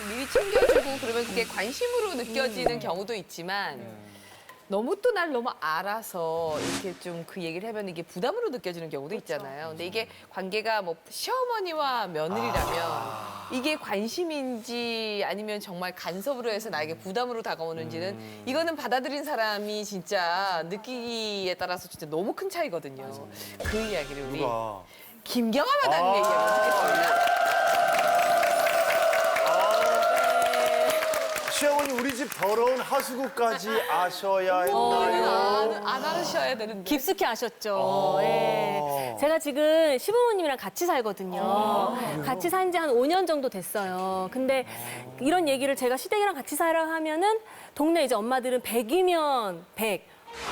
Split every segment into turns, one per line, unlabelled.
미리 챙겨주고 그러면 그게 관심으로 느껴지는 경우도 있지만 너무 또 날 너무 알아서 이렇게 좀 그 얘기를 하면 이게 부담으로 느껴지는 경우도 있잖아요. 근데 이게 관계가 뭐 시어머니와 며느리라면 이게 관심인지 아니면 정말 간섭으로 해서 나에게 부담으로 다가오는지는 이거는 받아들인 사람이 진짜 느끼기에 따라서 진짜 너무 큰 차이거든요. 그 이야기를 우리
누가?
김경아 마담님 얘기를 듣겠습니다.
시어머니 우리 집 더러운 하수구까지 아셔야 했나요?
안 알으셔야 되는데.
깊숙이 아셨죠. 예. 제가 지금 시부모님이랑 같이 살거든요. 같이 산 지 한 5년 정도 됐어요. 근데 이런 얘기를 제가 시댁이랑 같이 살아 하면은 동네 이제 엄마들은 100이면 100.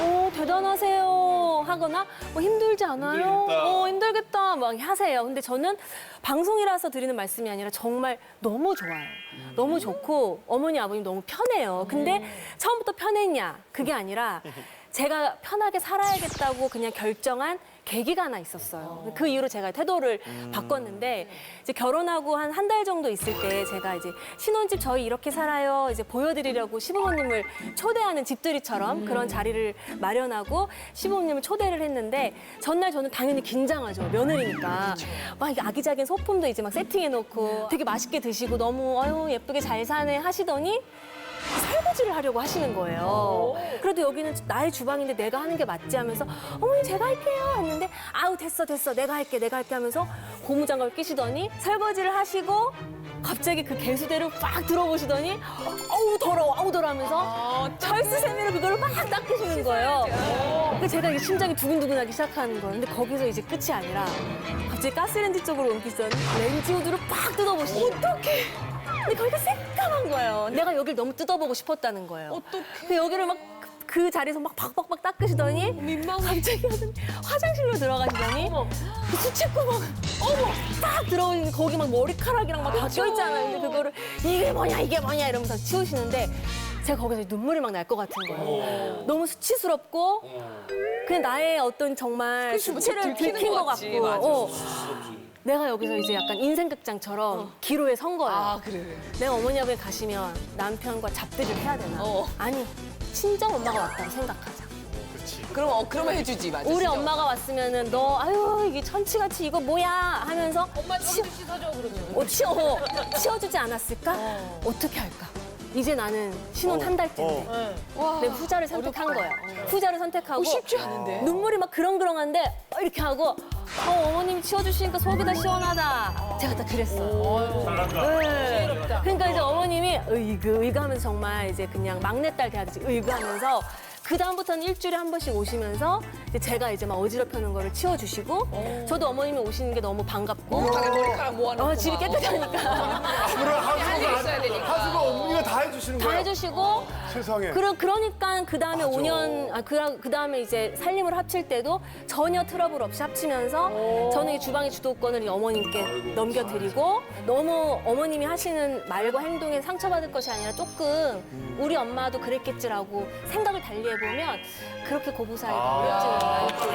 대단하세요 하거나 힘들지 않아요? 힘들겠다 막 하세요. 근데 저는 방송이라서 드리는 말씀이 아니라 정말 너무 좋아요. 너무 좋고 어머니 아버님 너무 편해요. 근데 처음부터 편했냐 그게 아니라 제가 편하게 살아야겠다고 그냥 결정한 계기가 하나 있었어요. 그 이후로 제가 태도를 바꿨는데 이제 결혼하고 한 달 정도 있을 때 제가 이제 신혼집 저희 이렇게 살아요. 이제 보여드리려고 시부모님을 초대하는 집들이처럼 그런 자리를 마련하고 시부모님을 초대를 했는데 전날 저는 당연히 긴장하죠. 며느리니까 막 이게 아기자기한 소품도 이제 막 세팅해놓고 되게 맛있게 드시고 너무 아유 예쁘게 잘 사네 하시더니 설거지를 하려고 하시는 거예요. 그래도 여기는 나의 주방인데 내가 하는 게 맞지 하면서 어머니 제가 할게요 했는데 아우 됐어 내가 할게 하면서 고무장갑을 끼시더니 설거지를 하시고 갑자기 그 개수대를 빡 들어보시더니 어우 더러워 하면서 철수세미로 그거를 막 닦으시는 거예요. 그래서 제가 이게 심장이 두근두근하기 시작하는 거예요. 근데 거기서 이제 끝이 아니라 갑자기 가스레인지 쪽으로 옮기시더니 렌지 후드를 빡 뜯어보시는 거예요. 어떡해. 근데 거기가 새까만 거예요. 내가 여길 너무 뜯어보고 싶었다는 거예요.
어떡해.
여기를 막 그 자리에서 막 박박박 닦으시더니 갑자기 화장실로 들어가시더니 그 수채구멍 딱 들어오는 거기 막 머리카락이랑 막 다 껴있잖아요. 근데 그거를 이게 뭐냐 이러면서 치우시는데 제가 거기서 눈물이 막 날 것 같은 거예요. 너무 수치스럽고 그냥 나의 어떤 정말 수치를 들킨 것 같고 내가 여기서 이제 약간 인생극장처럼 기로에 선 거예요.
아, 그래.
내가 어머니 아버지 가시면 남편과 잡들이를 해야 되나? 아니, 친정 엄마가 왔다고 생각하자.
그러면 해주지, 맞아.
우리 엄마가 왔으면은 너 아유 이게 천치같이 이거 뭐야 하면서
엄마 저기도 씻어줘, 그러면.
치워주지 않았을까? 어떻게 할까? 이제 나는 신혼 한 달째인데 내가 후자를 선택한 거야. 후자를 선택하고
쉽지 않은데.
눈물이 막 그렁그렁한데 이렇게 하고 어머님이 치워주시니까 속이 다 시원하다. 제가 다 그랬어요. 네. 그러니까 이제 어머님이 으이그 하면서 정말 이제 그냥 막내딸 대하듯이 으이그 하면서 그 다음부터는 일주일에 한 번씩 오시면서 이제 제가 이제 막 어지럽혀놓은 거를 치워주시고 저도 어머님이 오시는 게 너무 반갑고
가게 머리카락 모아놓고.
집이 깨끗하니까
할 일이 있어야 되니까.
하수구 어머니가 다 해주시는
다
거예요?
해주시고
세상에.
그러니까 그 다음에 5년 그 다음에 이제 살림을 합칠 때도 전혀 트러블 없이 합치면서 저는 이 주방의 주도권을 이 어머님께 넘겨드리고 너무 어머님이 하시는 말과 행동에 상처받을 것이 아니라 조금 우리 엄마도 그랬겠지라고 생각을 달리해 보면 그렇게 고부 사이가 어렵지는 않고.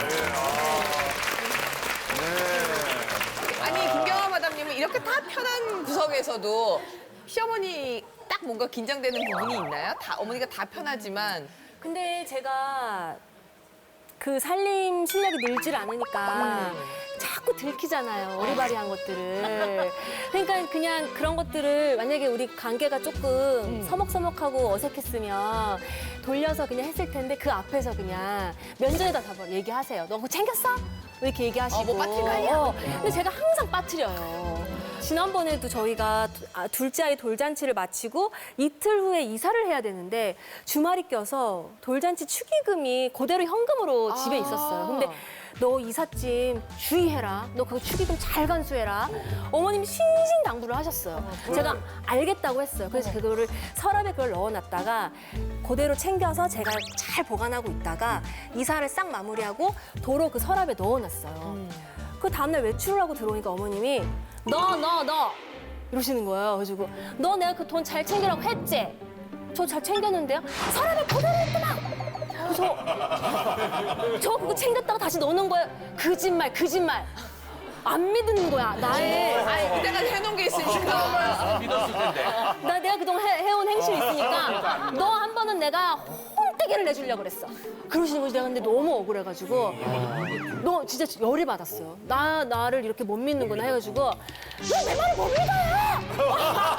아니, 김경아 마담님은 이렇게 다 편한 구석에서도 시어머니 딱 뭔가 긴장되는 부분이 있나요? 어머니가 다 편하지만.
근데 제가 그 살림 실력이 늘질 않으니까 자꾸 들키잖아요. 어리바리한 것들을. 그러니까 그냥 그런 것들을 만약에 우리 관계가 조금 서먹서먹하고 어색했으면 돌려서 그냥 했을 텐데 그 앞에서 그냥 면전에다 다 얘기하세요. 너 그거 챙겼어? 이렇게 얘기하시고.
뭐 빠뜨린 거 아니야?
근데 제가 항상 빠뜨려요. 지난번에도 저희가 둘째 아이 돌잔치를 마치고 이틀 후에 이사를 해야 되는데 주말이 껴서 돌잔치 축의금이 그대로 현금으로 집에 있었어요. 근데 너 이삿짐 주의해라. 너 그거 축의금 잘 간수해라. 어머님이 신신당부를 하셨어요. 제가 알겠다고 했어요. 그래서 그거를 서랍에 그걸 넣어놨다가 그대로 챙겨서 제가 잘 보관하고 있다가 이사를 싹 마무리하고 도로 그 서랍에 넣어놨어요. 그 다음날 외출을 하고 들어오니까 어머님이 너 이러시는 거예요. 그래가지고 너 내가 그 돈 잘 챙기라고 했지? 저 잘 챙겼는데요? 서랍에 그대로 있더만. 그래서 저 그거 챙겼다가 다시 넣어놓은 거예요. 거짓말. 안 믿는 거야. 나의
아니 그때까지 해놓은 게 있으니까.
믿었을 텐데.
내가 그동안 해온 행실이 있으니까 너 한 번은 내가 혼떼기를 내주려고 그랬어. 그러시는 거지. 내가 근데 너무 억울해가지고 너 진짜 열이 받았어요. 나를 이렇게 못 믿는구나 해가지고 왜 내 말을 못 믿어요?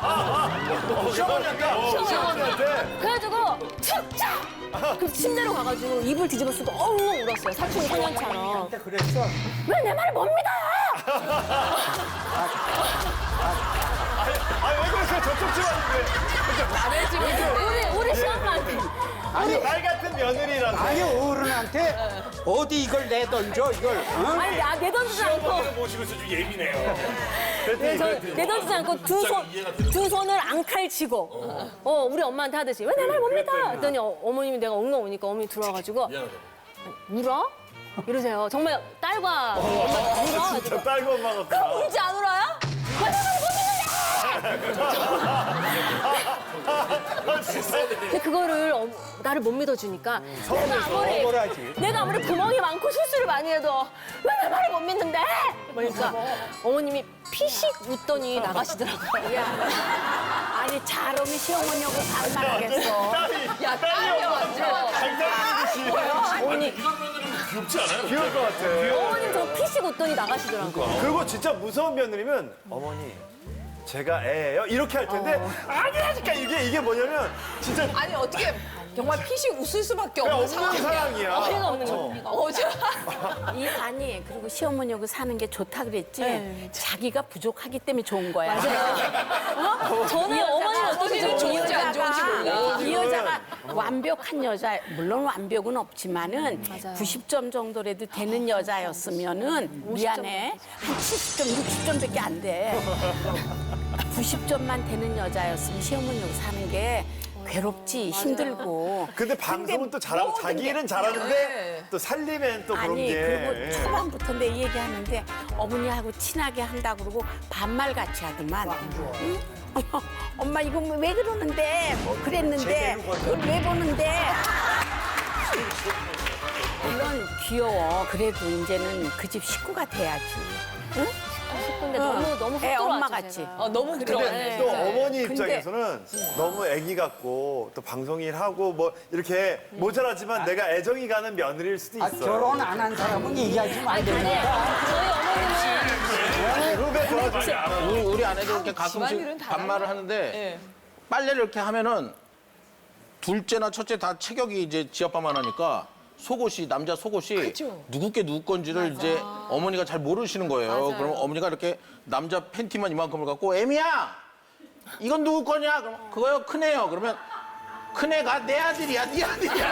시어머니한테.
그래가지고 툭착! 그 침대로 가가지고 이불 뒤집어 쓰고 엉엉 울었어요. 사춘기 소년처럼.
그랬어.
왜 내 말을 못 믿어요?
왜 그러세요? 저쪽 집안인데.
남의 집인데.
우리 시엄마한테.
아니, 말 같은 며느리라서.
아니 어른한테 어디 이걸 내던져 이걸. 어?
아니 내던지지 않고
모시면서 좀 예민해요.
내던지지 않고 두 손을 앙칼치고 우리 엄마한테 하듯이 왜 내 말 못 믿어? 했더니 어머님이 내가 엉엉 우니까 어머니 들어와가지고 울어? 이러세요. 정말 딸과 엄마 울어?
진짜 딸과 엄마 같다.
그럼 울지 안 울어요? 왜 내 말을 못 믿는데? 근데 그거를 나를 못 믿어주니까 내가 아무리 구멍이 많고 실수를 많이 해도 왜 내 말을 못 믿는데? 그러니까 어머님이 피식 웃더니 나가시더라고요.
아니 잘하면 시어머니하고 반말하겠어.
야 딸이야 완전.
어머니
귀엽지 않아요?
귀여울 것 같아.
어머님 저 피식 웃더니 나가시더라고요.
그리고 진짜 무서운 며느리면 어머니 제가 애예요 이렇게 할 텐데 아니라니까 이게 뭐냐면 진짜
아니 어떻게 정말 피식 웃을 수밖에
그냥
없는
없는
상황이야.
사랑이야.
없는 거.
아니 그리고 시어머니하고 사는 게 좋다 그랬지. 자기가 부족하기 때문에 좋은 거야.
저는 어머니
어머니는 좋은지 안 좋은지 몰라.
이 여자가 완벽한 여자, 물론 완벽은 없지만은
맞아요.
90점 정도라도 되는 여자였으면은 미안해. 한 70점, 60점밖에 안 돼. 90점만 되는 여자였으면 시어머니하고 사는 게 괴롭지, 힘들고.
근데 방송은 또 잘하고 자기 일은 잘하는데
네.
또 살림엔 또 그런
아니
게
그리고 초반부터 내 얘기하는데 어머니하고 친하게 한다고 그러고 반말같이 하더만. 응? 엄마 이거 왜 그러는데 뭐 그랬는데 이걸 왜 보는데 물론 귀여워. 그래도 이제는 그 집 식구가 돼야지. 응?
근데 너무
애
훅
엄마
들어왔죠,
같이.
제가.
너무
근데
부끄러워네.
또 어머니
근데-
입장에서는 너무 애기 같고 또 방송 일하고 뭐 이렇게 모자라지만 내가 애정이 가는 며느리일 수도
아,
있어.
결혼 안 한 사람은 얘기하지 마.
저희 어머님은
후배 도와주지.
우리 아내도 이렇게
집안일은
가끔씩
다
반말을 하는데
예.
빨래를 이렇게 하면은 둘째나 첫째 다 체격이 이제 지 아빠만 하니까 속옷이 남자 속옷이
그쵸.
누구 게 누구 건지를 이제 어머니가 잘 모르시는 거예요.
맞아요.
그러면 어머니가 이렇게 남자 팬티만 이만큼을 갖고 애미야 이건 누구 거냐? 그럼 그거요 큰애요. 그러면 큰애가 내 아들이야, 네 아들이야.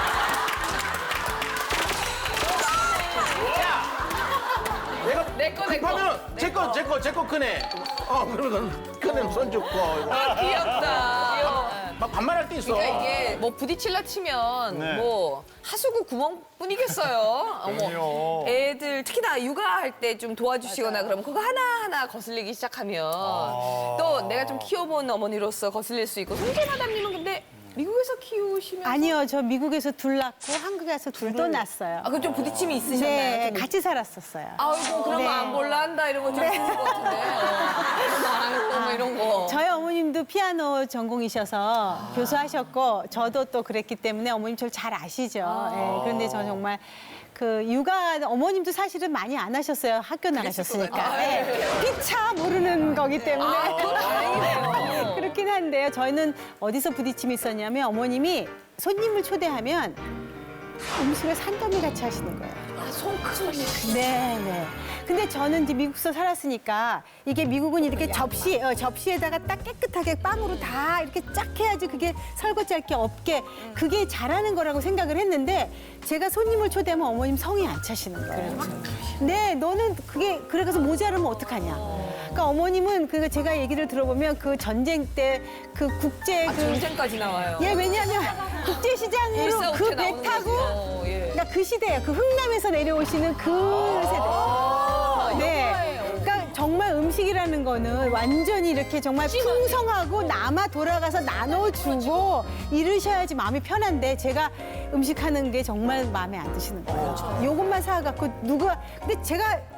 야, 내가
내 거, 내 거.
급하면 제 거 큰애. 그러면 큰애는 손 줬고.
아 귀엽다. 귀여워.
막 반말할 때 있어.
그러니까 이게 뭐 부딪힐라 치면
네.
뭐 하수구 구멍뿐이겠어요.
그럼요.
애들 특히나 육아할 때 좀 도와주시거나 그러면 그거 하나하나 거슬리기 시작하면 또 내가 좀 키워본 어머니로서 거슬릴 수 있고 송재 마담님은 근데 미국에서 키우시면
아니요, 저 미국에서 둘 낳고 한국에 와서 둘도 낳았어요.
그럼 좀 부딪힘이 있으셨나요?
네,
좀?
같이 살았었어요.
아이고 그런
네.
거 안 볼란다 이런 거좀 쓰는 것 같은데 안 하고 뭐 이런 거.
저희 어머님도 피아노 전공이셔서 교수하셨고 저도 또 그랬기 때문에 어머님 저를 잘 아시죠. 예, 그런데 저 정말 그 육아 어머님도 사실은 많이 안 하셨어요. 학교 나가셨으니까. 예. 피차 모르는 거기 때문에.
그건 다행이네요.
그렇긴 한데요. 저희는 어디서 부딪힘이 있었냐면 어머님이 손님을 초대하면 음식을 산더미 같이 하시는 거예요. 네, 네. 근데 저는 이제 미국서 살았으니까 이게 미국은 이렇게 접시에다가 딱 깨끗하게 빵으로 다 이렇게 쫙 해야지 그게 설거지할 게 없게 그게 잘하는 거라고 생각을 했는데 제가 손님을 초대하면 어머님 성이 안 차시는 거예요. 네, 너는 그게 그래서 모자르면 어떡하냐. 그러니까 어머님은 그 제가 얘기를 들어보면 그 전쟁 때 그 국제 그
전쟁까지 나와요.
예, 왜냐하면 국제시장으로
일사후퇴
그 배
나오는
타고
거죠. 예.
그러니까 그 시대예요. 그 흥남에서 내려오시는 그 세대. 네. 그러니까 정말 음식이라는 거는 완전히 이렇게 정말 풍성하고 남아 돌아가서 나눠주고 이러셔야지 마음이 편한데 제가 음식하는 게 정말 마음에 안 드시는 거예요. 요것만 사갖고 누가 근데 제가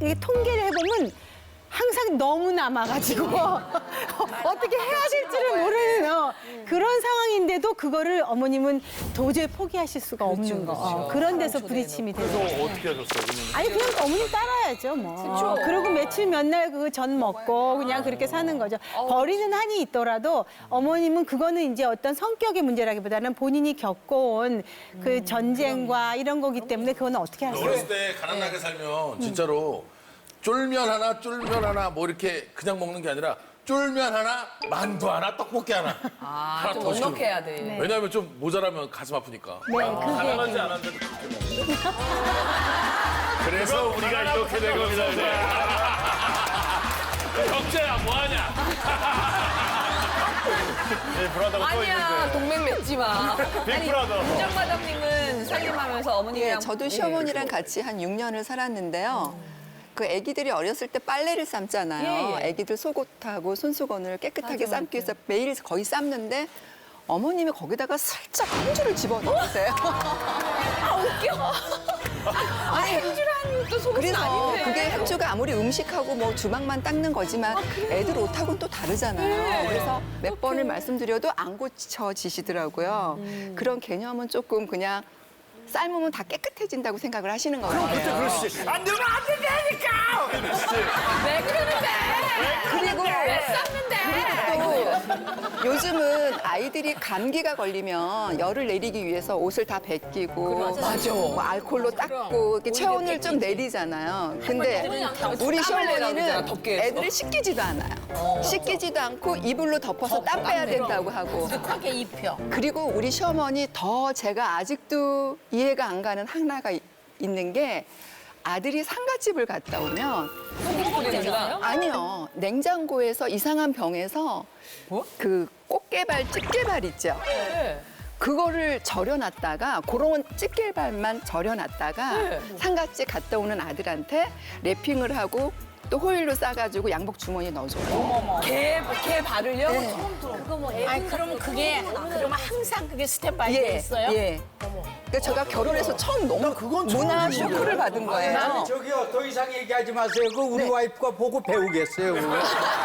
이게 통계를 해보면 항상 너무 남아가지고 어떻게 해야 될지를 모르는 그런 상황인데도 그거를 어머님은 도저히 포기하실 수가 없는 거. 그런 데서 부딪힘이 되는
그래서
거예요.
어떻게 하셨어요?
아니 그냥 어머니 따라야죠 뭐. 그리고 며칠 몇 날 그 전 먹고 그냥 그렇게 사는 거죠. 버리는 한이 있더라도 어머님은 그거는 이제 어떤 성격의 문제라기보다는 본인이 겪어온 그 전쟁과 이런 거기 때문에 그거는 어떻게 할 수
어렸을
없어요.
때 가난하게 살면 진짜로 쫄면 하나 뭐 이렇게 그냥 먹는 게 아니라 쫄면 하나, 만두 하나, 떡볶이 하나. 하나
좀
더 시키고.
넉넉해야 돼.
네.
왜냐하면 좀 모자라면 가슴 아프니까.
네, 그게
가난하지 않았는데도 그렇게 먹어. 그래서 우리가 이렇게 된 겁니다. 이제. 경제야 뭐하냐?
네, 브라더가 또
아니야,
있는데.
동맹 맺지 마. 아니,
빅브라더.
김정마담님은 살림하면서 어머님이랑
예, 저도 시어머니랑 같이 한 6년을 살았는데요. 그 아기들이 어렸을 때 빨래를 삶잖아요.
예, 예.
아기들 속옷하고 손수건을 깨끗하게 삶기 위해서 매일 거의 삶는데 어머님이 거기다가 살짝 한 줄을 집어넣으세요.
아니, 행주라는 또 속옷은
그래서
아닌데.
그게 행주가 아무리 음식하고 뭐 주방만 닦는 거지만 애들 옷하고는 또 다르잖아요. 그래서 몇 번을 말씀드려도 안 고쳐지시더라고요. 그런 개념은 조금 그냥 삶으면 다 깨끗해진다고 생각을 하시는 것 같아요.
그렇지. 안 되면 안 된다니까! 그렇지.
왜 그러는데?
그리고
왜 쌌는데?
또 요즘은 아이들이 감기가 걸리면 열을 내리기 위해서 옷을 다 벗기고 뭐 알코올로 닦고 이렇게 체온을 좀 내리잖아요. 근데 우리
땀을 내라고 그러잖아,
시어머니는
덥게 해서.
애들을 씻기지도 않아요. 씻기지도 않고 이불로 덮어서 땀 빼야 된다고 하고.
크게 입혀.
그리고 우리 시어머니 더 제가 아직도 이해가 안 가는 하나가 있는 게 아들이 상가집을 갔다 오면 아니요 냉장고에서 이상한 병에서 그 꽃게발 집게발 있죠. 그거를 절여놨다가 그런 집게발만 절여놨다가 상가집 갔다 오는 아들한테 랩핑을 하고 또 호일로 싸가지고 양복 주머니에 넣어줘요.
개 발을요?
아니 그러면 그게 그러면 항상 그게 스탠바이에
예,
있어요?
예. 그러니까 제가 결혼해서 처음 너무 문화 쇼크를 받은 거예요.
저기요 더 이상 얘기하지 마세요. 그 우리 와이프가 보고 배우겠어요. 그거.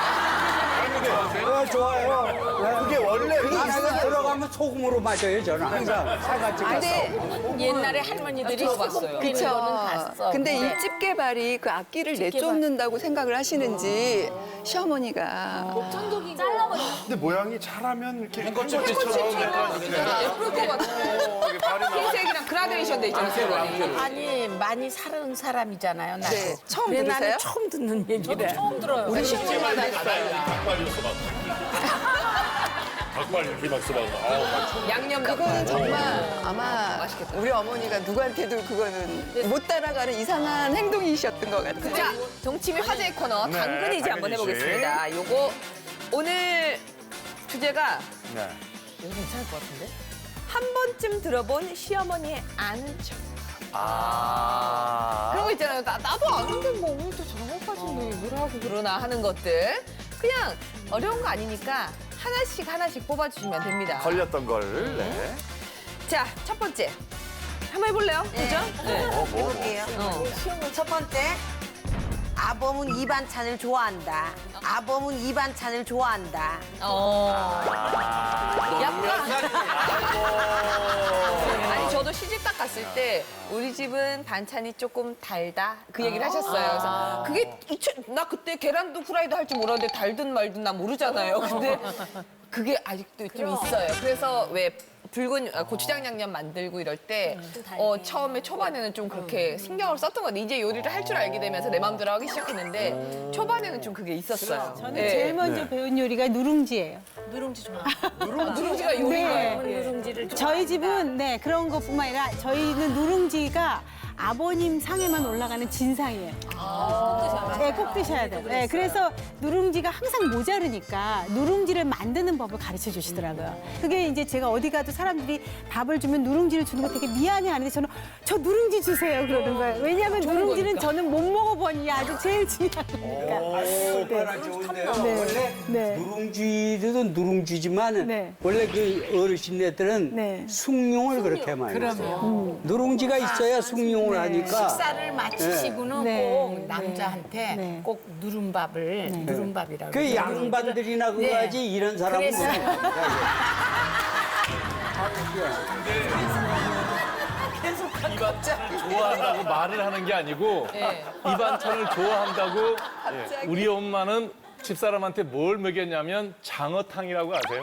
좋아요.
그게 원래
안에가 들어가면 소금으로 맞아요. 저는 항상 사가지 가서.
근데
옛날에 할머니들이
들어봤어요.
그쵸. 거는 봤어.
근데 이 집게발이 그 악기를 내쫓는다고 생각을 하시는지 시어머니가
근데 모양이 잘하면 이렇게
행거집처럼 약간 이렇게.
예쁠 것 같아.
이게 발이 나.
흰색이랑 그라데이션 돼 있잖아, 세번이.
아니 많이 살은 사람이잖아요. 나도.
네, 처음
근데
들으세요?
나는 처음 듣는 얘기래. 처음 들어요.
우리 시어머니가
닭발 이렇게 막. 닭발 이렇게 막 써봐.
양념
그거는
같은
정말 아마 우리 어머니가 누구한테도 그거는 못 따라가는 이상한 행동이셨던 것 같아요.
자, 동치미 화제의 코너
네,
당근이지 한번
당근이지.
해보겠습니다. 요거 오늘 주제가
네.
이거 괜찮을 것 같은데? 한 번쯤 들어본 시어머니의 아는 척. 그런 거 있잖아요. 나도 아는데 뭐 오늘 또 저런 것까지 뭘 하고 그러나 하는 것들. 그냥 어려운 거 아니니까 하나씩 뽑아주시면 됩니다.
걸렸던 걸. 네.
자, 첫 번째. 한번 해볼래요? 그죠? 네.
해볼게요. 첫 번째, 아범은 이 반찬을 좋아한다. 아범은 이 반찬을 좋아한다.
아니 저도 시집 딱 갔을 때 우리 집은 반찬이 조금 달다 그 얘기를 하셨어요. 그래서 그게 나 그때 계란도 후라이도 할 줄 몰랐는데 달든 말든 나 모르잖아요. 근데 그게 아직도 좀 있어요. 그래서 왜 붉은 고추장 양념 만들고 이럴 때 처음에 초반에는 좀 그렇게 신경을 썼던 것 같아요. 이제 요리를 할 줄 알게 되면서 내 마음대로 하기 시작했는데 초반에는 좀 그게 있었어요.
저는
네.
제일 먼저 배운 요리가 누룽지예요.
누룽지가 요리가요.
누룽지를
저희 집은 네 그런 것뿐만 아니라 저희는 누룽지가 아버님 상에만 올라가는 진상이에요. 네, 꼭 드셔야 돼요. 네, 그래서 누룽지가 항상 모자르니까 누룽지를 만드는 법을 가르쳐 주시더라고요. 그게 이제 제가 어디 가도 사람들이 밥을 주면 누룽지를 주는 거 되게 미안해하는데 저는 저 누룽지 주세요 그러는 거예요. 왜냐하면 누룽지는 저는 못 먹어보니 아주 제일 중요한 거니까.
얼마나 좋은데요.
네.
원래
네.
누룽지도 누룽지지만
네.
원래 그 어르신네들은
네.
숭늉을 그렇게 많이 했어요. 누룽지가 있어야 숭늉을 하니까
식사를 마치시고는
네.
꼭
네.
남자한테
네.
꼭 누른밥을 누른밥이라고.
그 양반들이나 그거
네.
하지 이런 사람은
그래서-
좋아한다고 말을 하는 게 아니고 이 반찬을 좋아한다고 우리 엄마는 집사람한테 뭘 먹였냐면 장어탕이라고 아세요?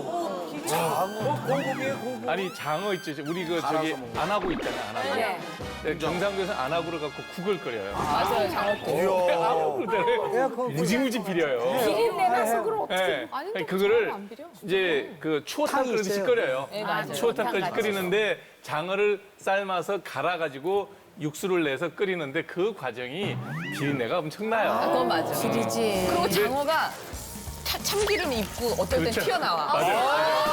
아니 장어 있죠. 우리 그 저기 안하고 있잖아요. 안하고. 네, 경상도에서 안하고를 갖고 국을 끓여요.
맞아요, 장어국.
안하고를 무지무지 비려요.
비린내나 속을 어떻게.
네. 아니, 그거를 이제 그 추어탕 끓이듯이 끓여요. 추어탕 끓이듯이 끓이는데 장어를 삶아서 갈아가지고 육수를 내서 끓이는데 그 과정이 비린내가 엄청나요.
그건 맞아.
지리지.
그리고 장어가 참기름 입고 어떨 땐
그렇죠.
튀어나와.
맞아요.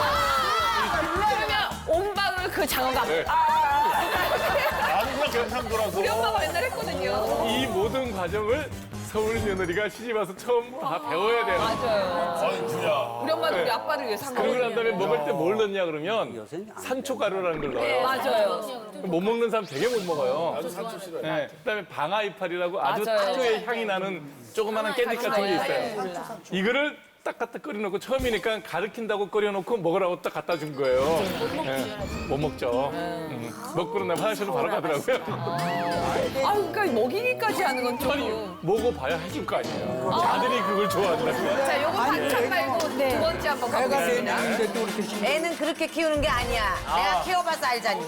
그러면 온 방울 그 장어가
네.
아무나 경상도라서.
우리 엄마가 맨날 했거든요.
이 모든 과정을 서울 며느리가 시집 와서 처음 다 배워야 돼요.
맞아요. 우리 엄마도 우리 아빠를 위해서 한
그러고 난 다음에
거거든요.
먹을 때 뭘 넣냐 그러면 산초가루라는 걸 넣어요.
맞아요.
못 먹는 사람 되게 못 먹어요. 나도 산초 싫어요. 네. 그다음에 방아이파리라고 아주
맞아요.
특유의 향이 나는 조그마한 깻잎 같은 게 있어요. 이거를 딱 갖다 끓여놓고 처음이니까 가르친다고 끓여놓고 먹으라고 딱 갖다 준 거예요. 못 먹죠. 먹고 나면 화장실로 바로 가더라고요.
아, 그러니까 먹이기까지 하는 건
아니,
조금.
먹어봐야 해줄 거 아니에요. 아들이 그걸 좋아한다고요.
자, 요거 반찬 말고 두 번째 한번 가보겠습니다.
애는 그렇게 키우는 게 아니야. 내가 키워봐서 알잖니.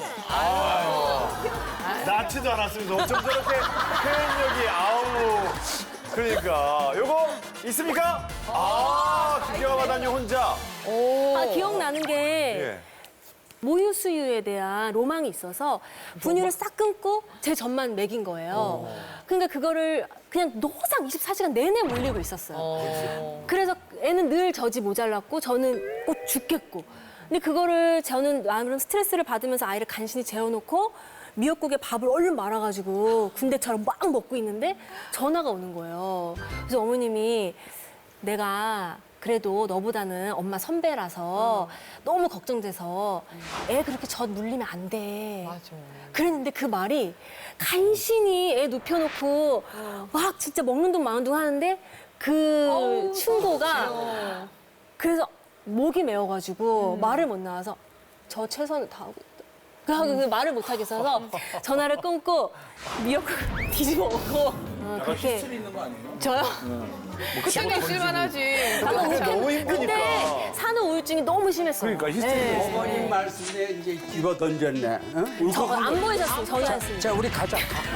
낳지도 않았습니다. 어쩜 저렇게 표현력이 아우. 그러니까 요거 있습니까? 김경아 마담님 혼자.
아, 기억나는 게
예.
모유 수유에 대한 로망이 있어서 분유를 싹 끊고 제 젖만 먹인 거예요. 그러니까 그거를 그냥 노상 24시간 내내 물리고 있었어요. 그래서 애는 늘 젖이 모자랐고 저는 꼭 죽겠고. 근데 그거를 저는 나름 스트레스를 받으면서 아이를 간신히 재워놓고 미역국에 밥을 얼른 말아가지고 군대처럼 막 먹고 있는데 전화가 오는 거예요. 그래서 어머님이 내가 그래도 너보다는 엄마 선배라서 너무 걱정돼서 애 그렇게 젖 물리면 안 돼.
맞아.
그랬는데 그 말이 간신히 애 눕혀놓고 막 진짜 먹는 둥 마는 둥 하는데 그 충고가 그래서 목이 메어가지고 말을 못 나와서 저 최선을 다하고 있다. 그 말을 못 하겠어서 전화를 끊고 미역국 뒤집어 먹고 그렇게
있는 거 아니에요?
저요?
그때는 있을만 하지.
너무 힘드니까.
근데 산후 우울증이 너무 심했어요.
그러니까 히스테리.
어머님 말씀에 이제 집어 던졌네. 어?
저 안 보이셨어요. 전혀 안 쓰니까.
자, 우리 가자.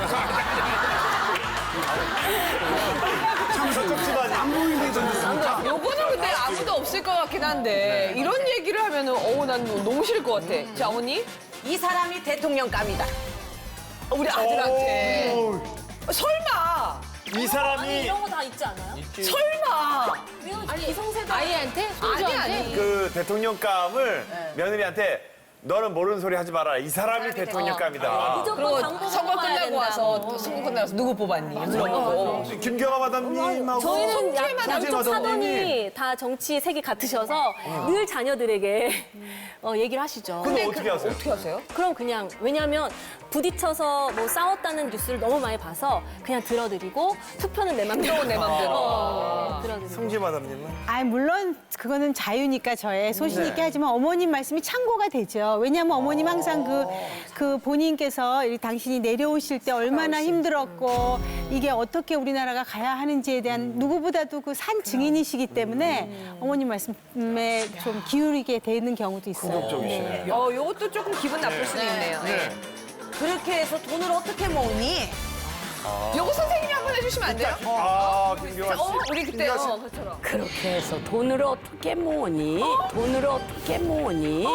쪽집안이. 안 보이네 던졌어.
요거는 근데 아무도 없을 것 같긴 한데 이런 얘기를 하면은 난 너무 싫을 것 같아. 자, 어머니.
이 사람이 대통령감이다.
우리 아들한테. 설마.
이 사람이
이런 거 다 있지 않아요?
설마.
아니 기성세대
아이한테? 아니.
그 대통령감을 며느리한테 너는 모르는 소리 하지 마라. 이 사람이 대통령감이다.
무조건 당구
그리고 선거 끝나고 와서 또 선거 끝나고 와서 누구 뽑았니? 물어보고.
김경아 마담님하고
저희는 양쪽
마담님이.
사돈이 다 정치 색이 같으셔서 늘 자녀들에게 얘기를 하시죠.
근데 어떻게 하세요?
어떻게 하세요?
그럼 그냥 왜냐하면 부딪혀서 뭐 싸웠다는 뉴스를 너무 많이 봐서 그냥 들어드리고 투표는 내 맘대로
내 맘대로.
들어드리고.
성지 마담님은?
아 물론 그거는 자유니까 저의 소신 있게 하지만 어머님 말씀이 참고가 되죠. 왜냐하면 어머님 항상 그 본인께서 이 당신이 내려오실 때 얼마나 힘들었고 이게 어떻게 우리나라가 가야 하는지에 대한 누구보다도 그 산 증인이시기 때문에 어머님 말씀에 좀 기울이게 되는 경우도 있어요.
쪽이시네.
요것도 조금 기분 나쁠 수도 있네요.
그렇게 해서 돈을 어떻게 모으니?
요거 선생님이 한번 해주시면 안 돼요?
김경아 씨.
우리 그때 그처럼.
그렇게 해서 돈을 어떻게 모으니? 돈을 어떻게 모으니?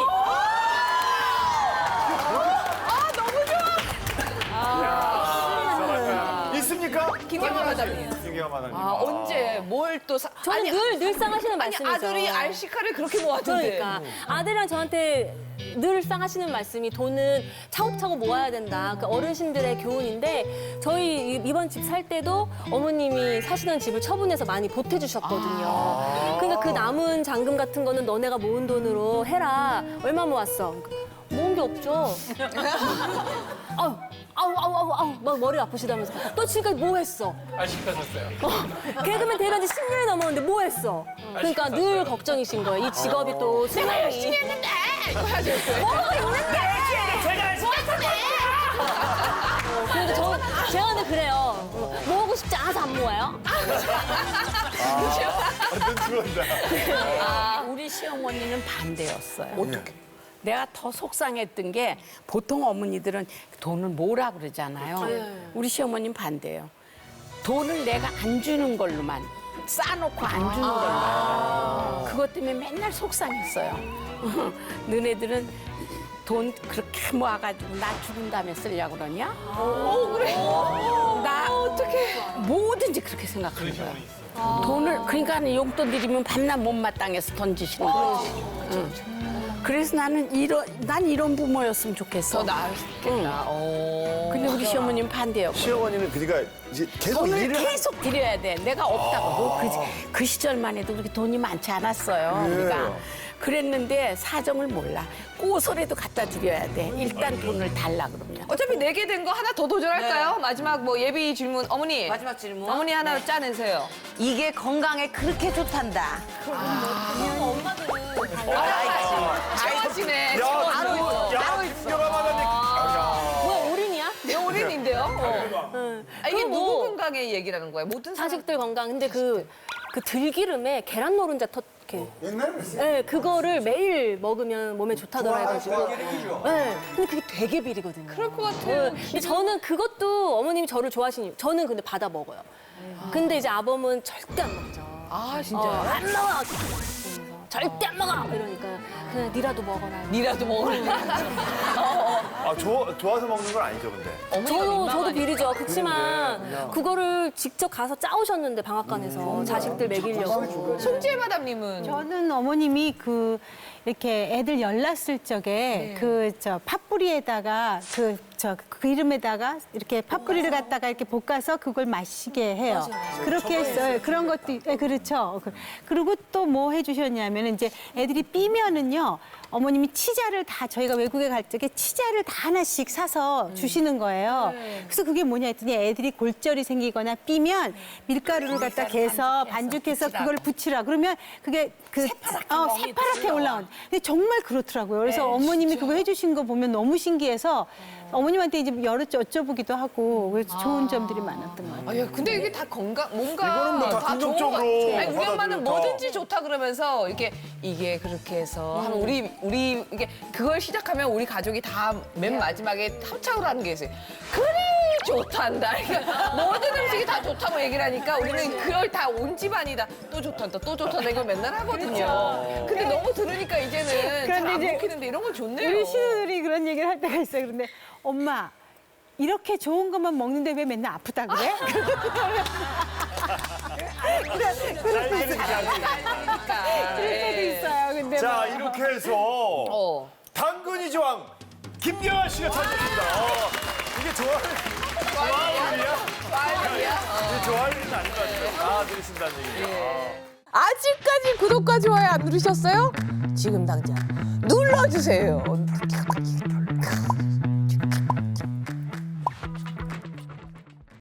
있습니까?
김경아 마담님.
김경아 마담님.
언제 뭘 또
저는 늘상 하시는
아니
말씀이죠.
아들이 RC카를 그렇게 모았던데.
그러니까 아들이랑 저한테 늘상 하시는 말씀이 돈은 차곡차곡 모아야 된다. 그 어르신들의 교훈인데 저희 이번 집 살 때도 어머님이 사시던 집을 처분해서 많이 보태주셨거든요. 그러니까 그러니까 그 남은 잔금 같은 거는 너네가 모은 돈으로 해라. 얼마 모았어? 그러니까 모은 게 없죠. 아우, 막 머리 아프시다면서. 너 지금까지 뭐 했어?
시켰었어요.
개그맨 데뷔한 지 10년이 넘었는데 뭐 했어? 그러니까 늘 걱정이신 거예요. 이 직업이 또
내가 열심히 했는데 이거 하셨어요.
뭐가 있는데? 근데 제가 근데 그래요. 모으고 싶지 않아서 안 모아요.
완전 들어온다.
우리 시어머니는 반대였어요. 어떻게? 내가 더 속상했던 게 보통 어머니들은 돈을 모으라 그러잖아요. 우리 시어머니는 반대예요. 돈을 내가 안 주는 걸로만 싸놓고 안 주는 걸로. 그것 때문에 맨날 속상했어요. 너네들은 돈 그렇게 모아가지고 나 죽은 다음에 쓰려고 그러냐?
그래.
나 어떻게 뭐든지 그렇게 생각하는 거야. 돈을 그러니까 용돈 드리면 밤낮 못마땅해서 던지시는 거지. 응. 그래서 나는 난 이런 부모였으면 좋겠어.
더 나았겠다.
근데 우리 시어머님 반대였고.
시어머니는 그러니까 이제 계속
돈을
일을
계속 드려야 돼. 내가 없다고. 그 시절만 해도 그렇게 돈이 많지 않았어요. 우리가. 그랬는데 사정을 몰라. 꼬소리도 갖다 드려야 돼. 일단 돈을 달라 그러면.
어차피 내게 된 거 하나 더 도전할까요? 마지막 뭐 예비 질문. 어머니.
마지막 질문.
어머니 하나 짜내세요.
이게 건강에 그렇게 좋단다.
좋아하시네.
야, 김경아
뭐야, 올인이야?
올인인데요. 이게
그거
누구
뭐-
건강의 얘기라는 거예요? 모든 사람.
자식들 건강. 근데 그 들기름에 계란 노른자 이렇게. 네, 그거를 매일 먹으면 몸에 좋다더라 해가지고. 네, 근데 그게 되게 비리거든요.
그럴 것 같아요.
근데 저는 그것도 어머님이 저를 좋아하시니 저는 근데 받아 먹어요. 근데 이제 아범은 절대 안 먹죠.
아 진짜.
안 먹어. 이러면서 절대 안 먹어. 이러니까 그냥 니라도 먹어라.
니라도 먹을래.
아, 좋아서 먹는 건 아니죠, 근데.
저도 비리죠. 그렇지만 그거를 직접 가서 짜오셨는데 방앗간에서 자식들 먹이려고.
송지혜 마담님은
저는 어머님이 이렇게 애들 열났을 적에 팥뿌리에다가 그 이름에다가 이렇게 팥뿌리를 갖다가 이렇게 볶아서 그걸 마시게 해요. 그렇게 했어요. 그런 것도 그렇죠. 그리고 또 뭐 해주셨냐면 이제 애들이 삐면은요. 어머님이 치자를 다 저희가 외국에 갈 적에 치자를 다 하나씩 사서 주시는 거예요. 그래서 그게 뭐냐 했더니 애들이 골절이 생기거나 삐면 밀가루를 갖다 개서 반죽해서 그걸 붙이라. 그러면 그게 새파랗게 올라온. 근데 정말 그렇더라고요. 그래서 어머님이 그거 해주신 거 보면 너무 신기해서 어머님한테 이제 여러 여쭤보기도 하고 그래서 좋은 점들이 많았던 것 같아요.
근데 이게 다 건강 뭔가
이거는 뭐다
좋은
긍정적으로
거- 아니, 우리 엄마는
받아들여서.
뭐든지 좋다 그러면서 이게 그렇게 해서 하면 우리 이게 그걸 시작하면 우리 가족이 다 맨 마지막에 합창으로 하는 게 있어요. 그래 좋단다. 그러니까 모든 음식이 다 좋다고 얘기를 하니까 우리는 그걸 다 온 집안이 다 또 좋단다 또 좋단다 이걸 맨날 하거든요. 근데 너무 들으니까 이제는 잘 안
이제
먹히는데 이런 건 좋네요.
우리 신우들이 그런 얘기를 할 때가 있어요. 그런데 엄마 이렇게 좋은 것만 먹는데 왜 맨날 아프다 그래? 그럴 때도 있어요. 근데
자, 이렇게 해서 당근이 조항 김경아 씨가 찾았습니다. 이게 좋아할 일이야? 이게 좋아할 일은 아닌 것 같아요. 다 들으신다는 얘기죠.
아직까지 구독과 좋아요 안 누르셨어요? 지금 당장 눌러주세요.